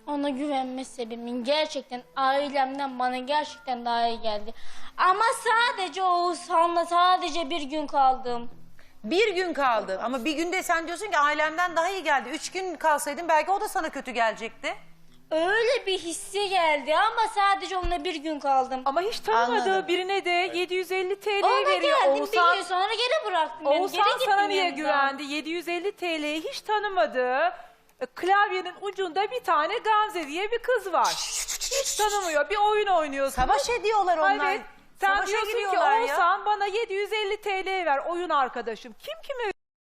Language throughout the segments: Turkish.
Ona güvenme sebebimin gerçekten ailemden bana gerçekten daha iyi geldi. Ama sadece Oğuzhan'la sadece bir gün kaldım. Bir gün kaldı ama bir günde sen diyorsun ki ailemden daha iyi geldi. 3 gün kalsaydın belki o da sana kötü gelecekti. Öyle bir hissi geldi ama sadece onunla bir gün kaldım. Ama hiç tanımadığı Anladım. birine de 750 TL Ona veriyor. geldim bir gün sonra geri bıraktım. beni. Oğuzhan Geri sana gittim niye yanından. güvendi? 750 TL'yi hiç tanımadığı, klavyenin ucunda bir tane Gamze diye bir kız var. Hiç tanımıyor. Bir oyun oynuyorsunuz. Savaş ediyorlar onlar. Evet. Sen Savaşa diyorsun ki giriyorlar ya. Oğuzhan bana 750 TL ver oyun arkadaşım. Kim kime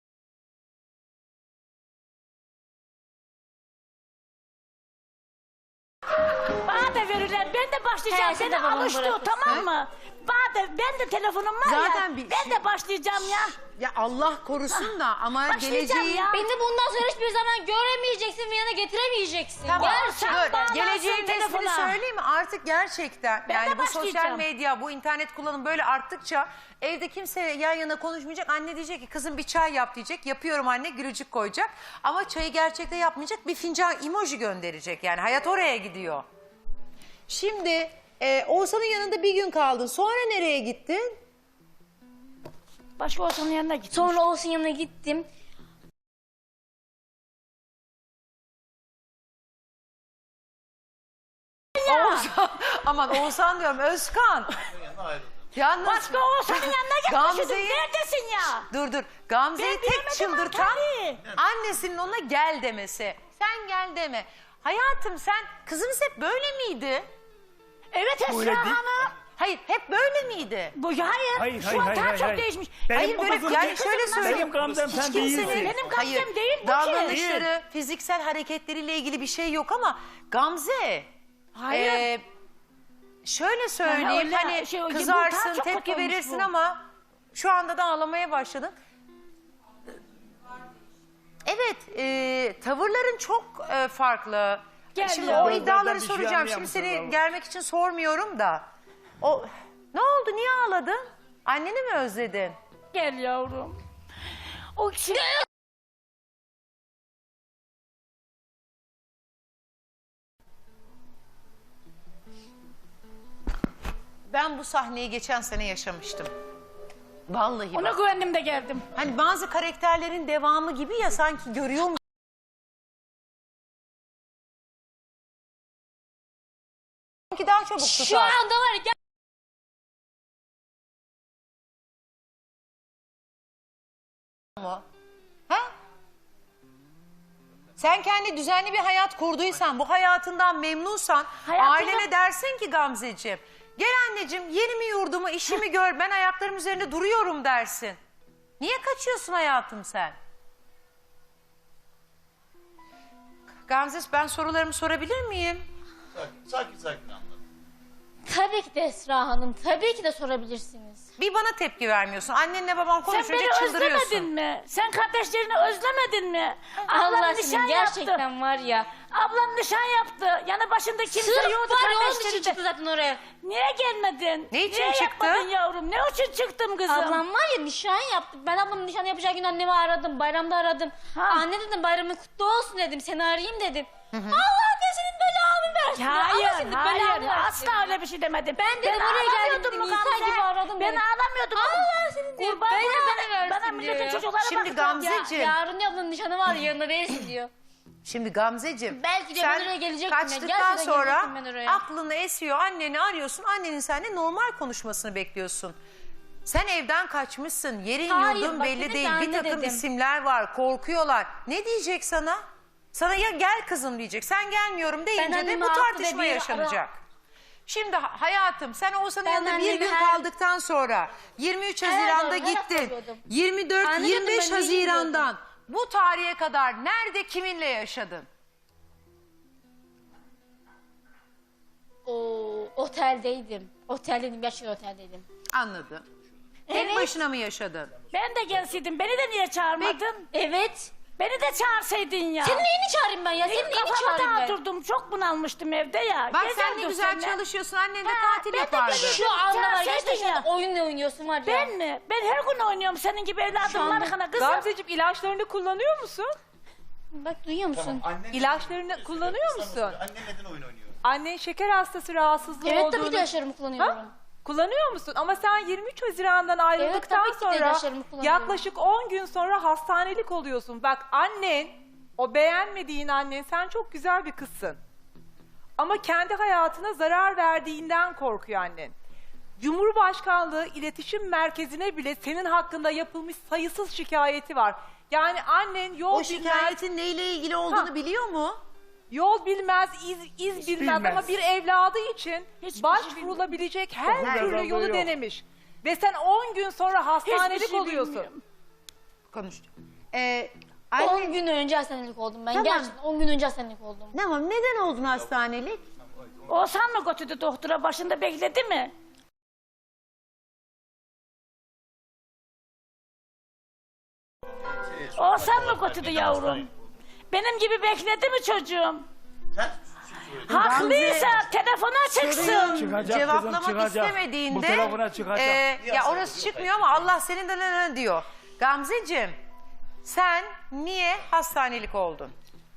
Bana da verirler. Ben de başlayacağım. He, sen Seni de babamı alıştı bırakırsın. tamam mı? Bana da, ben de telefonum var Zaten ya. bir Ben şey- de başlayacağım ya. Ya Allah korusun da ama Başlayacağım geleceği... ya. Beni bundan sonra hiçbir zaman göremeyeceksin ve yana getiremeyeceksin. Tamam. Gerçekten. Dur, bağlansın geleceğin resmini telefona. söyleyeyim mi? Artık gerçekten Ben yani de bu sosyal başlayacağım. medya, bu internet kullanımı böyle arttıkça evde kimse yan yana konuşmayacak. Anne diyecek ki kızım bir çay yap diyecek. Yapıyorum anne, gülücük koyacak. Ama çayı gerçekte yapmayacak. Bir fincan emoji gönderecek yani. Hayat oraya gidiyor. Şimdi Oğuzhan'ın yanında bir gün kaldın. Sonra nereye gittin? Başka Oğuzhan'ın yanına gittim. Sonra Oğuz'un yanına gittim. Oğuzhan, aman Oğuzhan diyorum, Özkan. Yalnız Başka Oğuzhan'ın yanına gitmişsin. Gamze'yi... Neredesin ya? Dur. Gamze'yi Ben tek bilemedim çıldırtan tabii. annesinin ona gel demesi. Sen gel deme. Hayatım sen kızınız hep böyle miydi? Evet Esra Hanım. Hayır hep böyle miydi? Bu hayır. Şu an daha çok değişmiş. Hayır, böyle yani şöyle söyleyeyim. Benim Gamzem sen değilsin. Benim Gamze'm değil bu ki. Davranışları, fiziksel hareketleriyle ilgili bir şey yok ama Gamze... Hayır. Şöyle söyleyeyim, öyle hani bu daha kızarsın, çok tepki kötü olmuş verirsin bu. ama şu anda da ağlamaya başladın. Evet, tavırların çok farklı. Gel Şimdi ya. o iddiaları Gözlerden bir şey soracağım. Şimdi anlayamazsın seni vallahi. gelmek için sormuyorum da. Ne oldu, niye ağladın? Anneni mi özledin? Gel yavrum. O kişi... Ben bu sahneyi geçen sene yaşamıştım. Vallahi Ona bak. güvendim de geldim. Hani bazı karakterlerin devamı gibi ya, sanki görüyor musun? Sanki daha çabuk tutar. Şu anda var ya. mu? Ha? Sen kendi düzenli bir hayat kurduysan, bu hayatından memnunsan, Hayatımda- ailene dersin ki Gamzeciğim, gel anneciğim yerimi yurdumu, işimi gör, ben ayaklarım üzerinde duruyorum dersin. Niye kaçıyorsun hayatım sen? Gamze, ben sorularımı sorabilir miyim? Sakin anlat. Tabii ki de Esra Hanım. Tabii ki de sorabilirsiniz. Bir bana tepki vermiyorsun. Annenle baban Sen konuşunca beni çıldırıyorsun. özlemedin mi? Sen kardeşlerini özlemedin mi? Allah Ablam aşkına nişan gerçekten yaptı. var ya. Ablam nişan yaptı. Yanı başında kimse Sırf yoktu var ya onun için kardeşleri çıktı de. zaten oraya. Niye gelmedin? Ne için Niye çıktı? yapmadın yavrum? Ne için çıktım kızım? Ablam var ya nişan yaptı. Ben ablamın nişan yapacağı gün annemi aradım. Bayramda aradım. Ha. Anne dedim bayramın kutlu olsun dedim. Seni arayayım dedim. Allah diye senin belanı versin. Allah Hayır, senin hayır. belanı versin. Asla öyle bir şey demedim. Ben dedim oraya geldim ağlamıyordum dedim. mu İnsan Gamze? gibi aradım Ben dedim. ağlamıyordum. Allah senin diyor. Kurban Belanı bana versin Bana milletin diyor. çocuklara Şimdi bak. Gamzeciğim. Yarın ablanın nişanı var yanında değilsin diyor. Şimdi Gamzeciğim, Belki de sen ben oraya gelecektim ya. kaçtıktan Gerçekten sonra gelecektim ben oraya. aklını esiyor, anneni arıyorsun, annenin seninle normal konuşmasını bekliyorsun. Sen evden kaçmışsın, yerin Hayır, yurdun bak belli dedim ki değil, bir anne takım dedim. isimler var, korkuyorlar. Ne diyecek sana? Sana ya gel kızım diyecek, sen gelmiyorum deyince de annemi bu haklı tartışma dediği yaşanacak. Şimdi hayatım, sen Oğuzhan'ın Ben yanında bir annemi gün her- kaldıktan sonra 23 Haziran'da doğru, her hafta gittin. arıyordum. 24, Anne diyordum, 25 ben neyim Haziran'dan bu tarihe kadar nerede, kiminle yaşadın? Oteldeydim. Oteldeydim. Gerçekten oteldeydim. Anladım. Tek Evet. başına mı yaşadın? Ben de gelseydim. Beni de niye çağırmadın? Evet. Beni de çağırsaydın ya. Senin neyini çağırayım ben ya? Senin neyini Kafama çağırayım ben? dağıtırdım. Çok bunalmıştım evde ya. Bak sen Gezerdim ne güzel seninle. çalışıyorsun. Annen de Ha, tatil ben de yapardı. geziyordum. Şu anda var Çağırsaydın gerçekten ya. oyunla oynuyorsun var ya. Ben mi? Ben her gün oynuyorum senin gibi evladım anda- var kızım. Gamzeciğim ilaçlarını kullanıyor musun? Bak duyuyor musun? Annen İlaçlarını neden- kullanıyor Sana musun? söyle, Annen neden oyun oynuyor? Annen şeker hastası rahatsızlığı Evet olduğunu... tabii ki ilaçlarımı kullanıyorum. Ha? Kullanıyor musun? Ama sen 23 Haziran'dan ayrıldıktan tabii ki de sonra ilaçlarımı kullanıyorum. yaklaşık 10 gün sonra hastanelik oluyorsun. Bak annen, o beğenmediğin annen, sen çok güzel bir kızsın. Ama kendi hayatına zarar verdiğinden korkuyor annen. Cumhurbaşkanlığı İletişim Merkezi'ne bile senin hakkında yapılmış sayısız şikayeti var. Yani annen yol O bilmez, şikayetin neyle ilgili olduğunu Ha. biliyor mu? yol bilmez, iz bilmez ama bir evladı için Hiçbir başvurulabilecek her Her türlü yolu yolu yok. denemiş. Ve sen 10 gün sonra hastanelik Hiçbir şey oluyorsun. bilmiyorum. Konuş. 10 gün önce hastanelik oldum ben. Tamam. Gerçekten 10 gün önce hastanelik oldum. Tamam, neden oldun hastanelik? Oğuzhan mı götürdü doktora, başında bekledi mi? Oğuzhan mı götürdü yavrum? Benim gibi bekledi mi çocuğum? Sen Haklıysa telefona çıksın. Çıkacak Cevaplamak kızım, çıkacak. istemediğinde Bu telefona çıkacak. ya orası çıkmıyor ama Allah senin de ne diyor. Gamzeciğim, sen niye hastanelik oldun?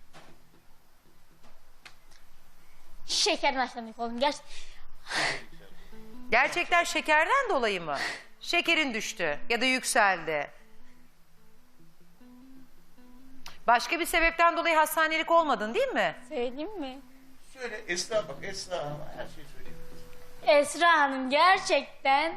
Şekerden hastanelik oldum. Gerçekten şekerden dolayı mı? Şekerin düştü ya da yükseldi. Başka bir sebepten dolayı hastanelik olmadın değil mi? Söyleyeyim mi? söyle Esra bak Esra Hanım'a her şeyi söyleyeyim. Esra Hanım gerçekten...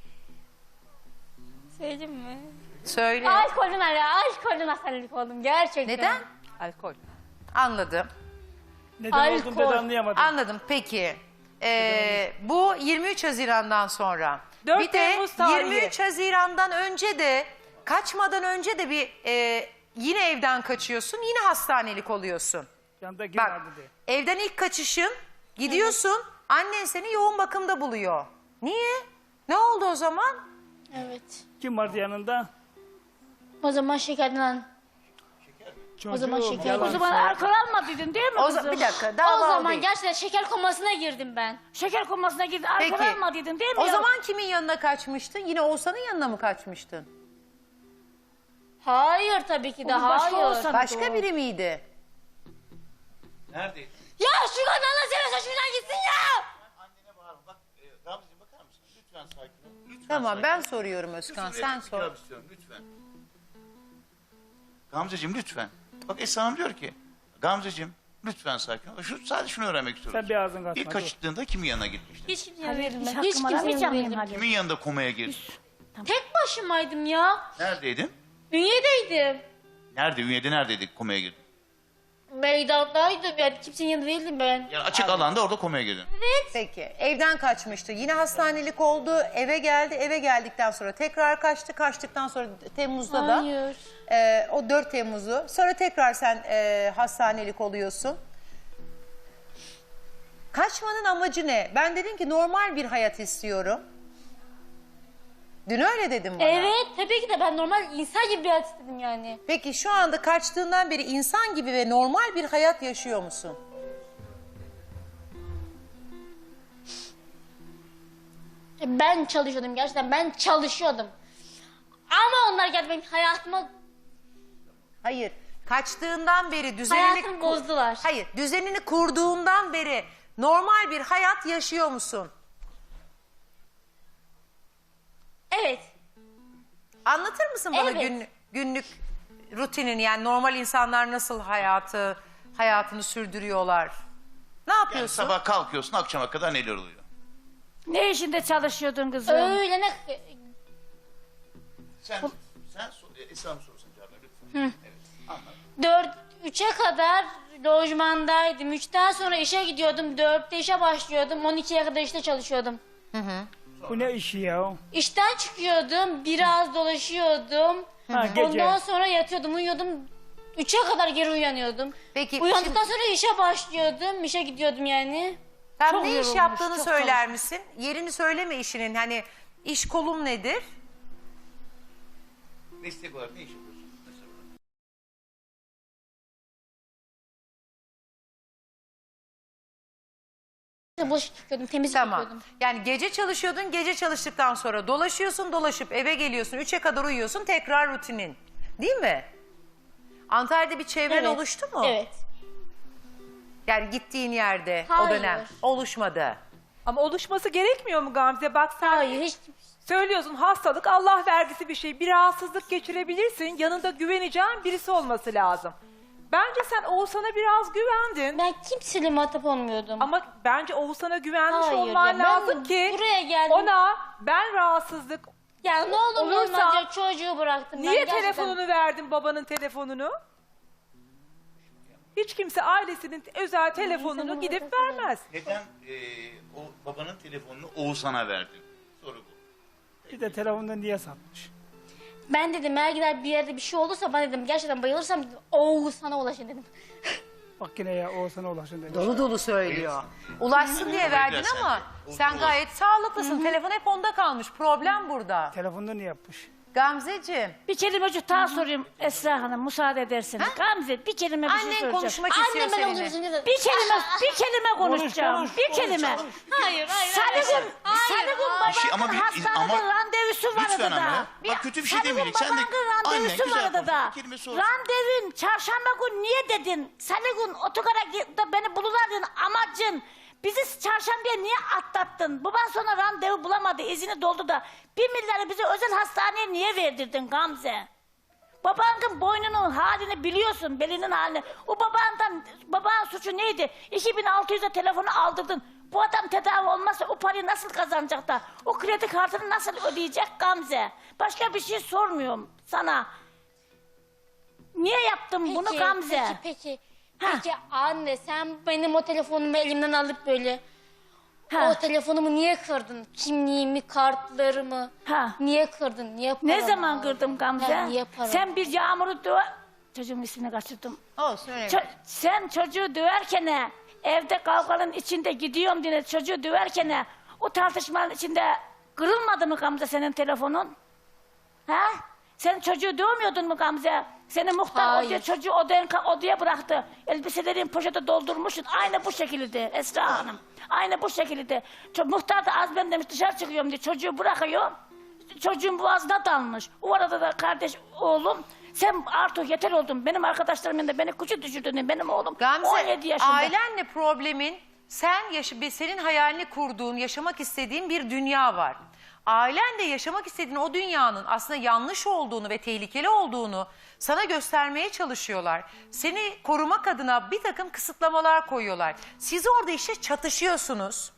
Söyleyeyim mi? Söyle. Alkolün hastanelik oldum gerçekten. Neden? Alkol. Anladım. Neden oldun Alkol. ben anlayamadım. Anladım. Peki. Bu 23 Haziran'dan sonra. 4 bir de Temmuz tarihi. 23 Haziran'dan önce de kaçmadan önce de bir yine evden kaçıyorsun. Yine hastanelik oluyorsun. Yanındaki Bak, vardı diye. evden ilk kaçışın, gidiyorsun, annen seni yoğun bakımda buluyor. Niye? Ne oldu o zaman? Evet. Kim vardı yanında? O zaman şekerden... Çocuğum, zaman şeker- yalan O zaman söyle. alkol almadıydın değil mi kızım? Bir dakika, daha O zaman değil. gerçekten şeker komasına girdim ben. Şeker komasına gidin, alkol Peki. almadıydın değil mi? O ya? zaman kimin yanına kaçmıştın? Yine Oğuzhan'ın yanına mı kaçmıştın? Hayır tabii ki de Onun başka hayır. olsa- Başka biri miydi? Neredeydin? Ya şu kadar Allah seversen şuradan gitsin ya. Annene bağırma. Bak Gamzeciğim bakar mısın? Lütfen sakin ol. Lütfen Tamam, sakin ben ol. soruyorum Özkan, Lütfen, sen bir sor. cevap istiyorum, lütfen. Gamzeciğim lütfen. Bak Esra Hanım diyor ki Gamzeciğim lütfen sakin ol. Sadece şunu öğrenmek istiyorum. Sen bir ağzın kaçma, İlk dur. kaçtığında kimin yanına gitmiştin? Hiç kimsenin Halil, değildim hiç ben. Hiç hakkımı kimsenin aramayacağım değildim. benim Halil. Kimin yanında komaya girdin? Tek başımaydım ya. Neredeydin? Ünye'deydim. Nerede? Ünye'de neredeydik komaya girdin? Meydandaydım yani kimsenin yanında değildim ben. Yani açık alanda orada komaya girdin. Peki, evden kaçmıştı. Yine hastanelik oldu, eve geldi. Eve geldikten sonra tekrar kaçtı. Kaçtıktan sonra Temmuz'da da Hayır. o 4 Temmuz'u. Sonra tekrar sen hastanelik oluyorsun. Kaçmanın amacı ne? Ben dedim ki normal bir hayat istiyorum. Dün öyle dedim bana. Evet tabii ki de ben normal insan gibi bir hayat istedim yani. Peki şu anda kaçtığından beri insan gibi ve normal bir hayat yaşıyor musun? Ben çalışıyordum gerçekten ben çalışıyordum. Ama onlar geldi benim hayatıma Hayır. Kaçtığından beri düzenini... hayatımı bozdular. Hayır. Düzenini kurduğundan beri normal bir hayat yaşıyor musun? Evet. Anlatır mısın bana Evet. günlük rutinini, yani normal insanlar nasıl hayatını sürdürüyorlar? Ne Yani yapıyorsun? sabah kalkıyorsun akşama kadar neler oluyor? Ne işinde çalışıyordun kızım? Öyle ne... Sen Esra Hanım sorusunu cevap ver lütfen. Evet, anlat. 3'e kadar lojmandaydım. 3'ten sonra işe gidiyordum. 4'te işe başlıyordum. 12'ye kadar işte çalışıyordum. Bu ne işi ya? İşten çıkıyordum. Biraz dolaşıyordum. Ha, gece. Ondan sonra yatıyordum, uyuyordum. 3'e kadar geri uyanıyordum. Peki, Uyandıktan sonra işe başlıyordum. İşe gidiyordum yani. Sen Çok ne iş yorulmuş, yaptığını çok söyler misin? Yerini söyleme işinin. Hani iş kolum nedir? Meslek olarak ne iş yapıyorsun? Mesela. Bulaşık yıkıyordum, temizlik Tamam. yapıyordum. Yani gece çalışıyordun, gece çalıştıktan sonra dolaşıyorsun, dolaşıp eve geliyorsun, 3'e kadar uyuyorsun, tekrar rutinin. Değil mi? Antalya'da bir çevren Evet. oluştu mu? Evet. Yani gittiğin yerde o Hayır. dönem oluşmadı. Ama oluşması gerekmiyor mu Gamze? Bak sen Hayır hiç. söylüyorsun, hastalık Allah vergisi bir şey. Bir rahatsızlık geçirebilirsin. Yanında güveneceğin birisi olması lazım. Bence sen Oğuzhan'a biraz güvendin. Ben kimseyle muhatap olmuyordum. Ama bence Oğuzhan'a güvenmiş Hayır olman ya, ben lazım ki buraya geldim. ona ben rahatsızlık Ya ne olur Olursa- olmaz çocuğu bıraktım. niye ben gerçekten. telefonunu verdin, babanın telefonunu? Hiç kimse ailesinin özel telefonunu gidip vermez. Neden o babanın telefonunu Oğuzhan'a verdin? Soru bu. Bir de telefonda niye satmış? Ben dedim eğer gider bir yerde bir şey olursa ben dedim gerçekten bayılırsam dedim, sana ulaşın dedim. Bak yine ya Oğuzhan'a ulaşın demiş. Dolu dolu söylüyor. Ulaşsın diye verdin Sen- ama sen gayet sağlıklısın. Telefon hep onda kalmış. Problem burada. Telefonda ne yapmış? Gamzeciğim, Bir kelimecik daha sorayım Esra Hanım, müsaade ederseniz. Gamze bir kelime bir şey annen soracağım. konuşmak istiyor Annem ben seninle. oluyorsun dedim. Bir kelime konuşacağım. konuş, bir konuş, kelime. konuş. Hayır hayır. Salı gün Bir şey ama babanın hastanede randevusu vardı lütfen ama da. ya. Bak kötü bir şey Salı gün demeyelim. Sen de babanın anne randevusu güzel vardı konuş. da. Bir kelime sorsun. Randevun çarşamba gün niye dedin? Salı gün otogara da beni bulurlardın amacın. Bizi çarşambaya niye atlattın? Baban sonra randevu bulamadı, izini doldu da. 1 milyarı bize özel hastaneye niye verdirdin Gamze? Babanın boynunun halini biliyorsun, belinin halini. O babanın suçu neydi? 2600'e telefonu aldırdın. Bu adam tedavi olmazsa o parayı nasıl kazanacak da? O kredi kartını nasıl ödeyecek Gamze? Başka bir şey sormuyorum sana. Niye yaptın bunu Gamze? Peki. Ha. Peki anne sen benim o telefonumu elimden alıp böyle Ha. o telefonumu niye kırdın? Kimliğimi, kartlarımı Ha. niye kırdın? Niye Ne paramı zaman aldın? kırdım Gamze? Ha, niye paramı Sen bir Yağmur'u döv... Çocuğun ismini kaçırdım. Olsun öyle. Sen çocuğu döverken evde kavganın içinde gidiyorum diye çocuğu döverken o tartışmanın içinde kırılmadı mı Gamze senin telefonun? Ha? Sen çocuğu dövmüyordun mu Gamze? Seni muhtar Hayır. odaya, çocuğu odaya bıraktı. Elbiselerin poşete doldurmuşsun. Aynı bu şekilde Esra Hanım. Aynı bu şekilde. Muhtar da az ben demiş dışarı çıkıyorum diye çocuğu bırakıyor. Çocuğun boğazına dalmış. O arada da kardeş oğlum sen artık yeter oldun. Benim arkadaşlarım yanında beni küçük düşürdün. Benim oğlum Gamze, 17 yaşında. ailenle problemin senin hayalini kurduğun, yaşamak istediğin bir dünya var. Ailen de yaşamak istediğin o dünyanın aslında yanlış olduğunu ve tehlikeli olduğunu sana göstermeye çalışıyorlar. Seni korumak adına bir takım kısıtlamalar koyuyorlar. Siz orada işte çatışıyorsunuz.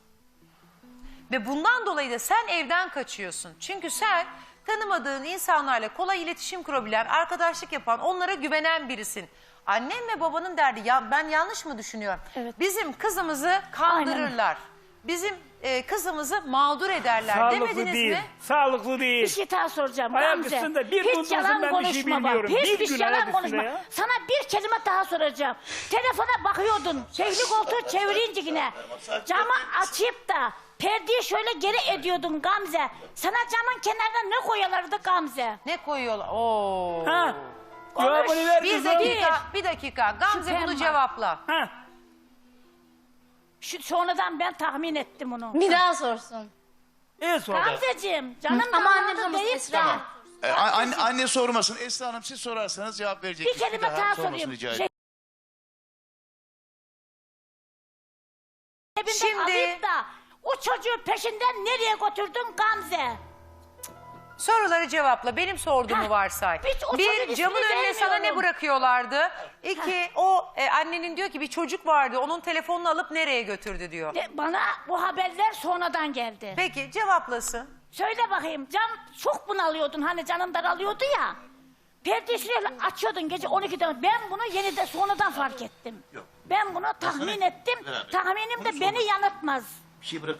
Ve bundan dolayı da sen evden kaçıyorsun. Çünkü sen tanımadığın insanlarla kolay iletişim kurabilen, arkadaşlık yapan, onlara güvenen birisin. Annem ve babanın derdi, ya ben yanlış mı düşünüyorum? Evet. Bizim kızımızı kandırırlar. Bizim kızımızı mağdur ederler Sağlıklı demediniz değil. mi? Sağlıklı değil. Bir şey daha soracağım Ayak Gamze. üstünde bir gün Hiç yalan ben bir şey konuşma bak. bilmiyorum. Bir Hiçbir gün ayak yalan üstünde konuşma. ya. Sana bir kelime daha soracağım. Telefona bakıyordun. Şehli koltuğu çevirince yine. Camı açıp da perdeyi şöyle geri ediyordun Gamze. Sana camın kenarına ne koyuyorlardı Gamze? Ne koyuyorlar? Oo. Ha. Konuş. Cevabını ver Bir kızım. dakika. Gamze Şüphem bunu var. cevapla. Ha. Sonradan ben tahmin ettim onu. Bir daha sorsun. İyi sonra. Gamzeciğim canım Ama annem damadım sormasın deyip Esra de Hanım. Anne sormasın. Esra Hanım siz sorarsanız cevap verecek. bir kelime daha sormasını sorayım. rica ederim. Cebinden Şimdi- alayım da o çocuğu peşinden nereye götürdün Gamze? Soruları cevapla. Benim sorduğumu Heh, varsay. hiç o Bir, çocuğun camın ismini önüne sana ne vermiyorum. bırakıyorlardı? İki, annenin diyor ki bir çocuk vardı. Onun telefonunu alıp nereye götürdü diyor. Bana bu haberler sonradan geldi. Peki cevaplasın. Söyle bakayım çok bunalıyordun hani canın daralıyordu ya. Perdeyi şöyle açıyordun gece 12'de. Ben bunu yeniden sonradan fark ettim. Yok. Ben bunu tahmin sana- ettim. Beraber. Tahminim de Onu beni sorma. yanıltmaz. Bir şey bırak.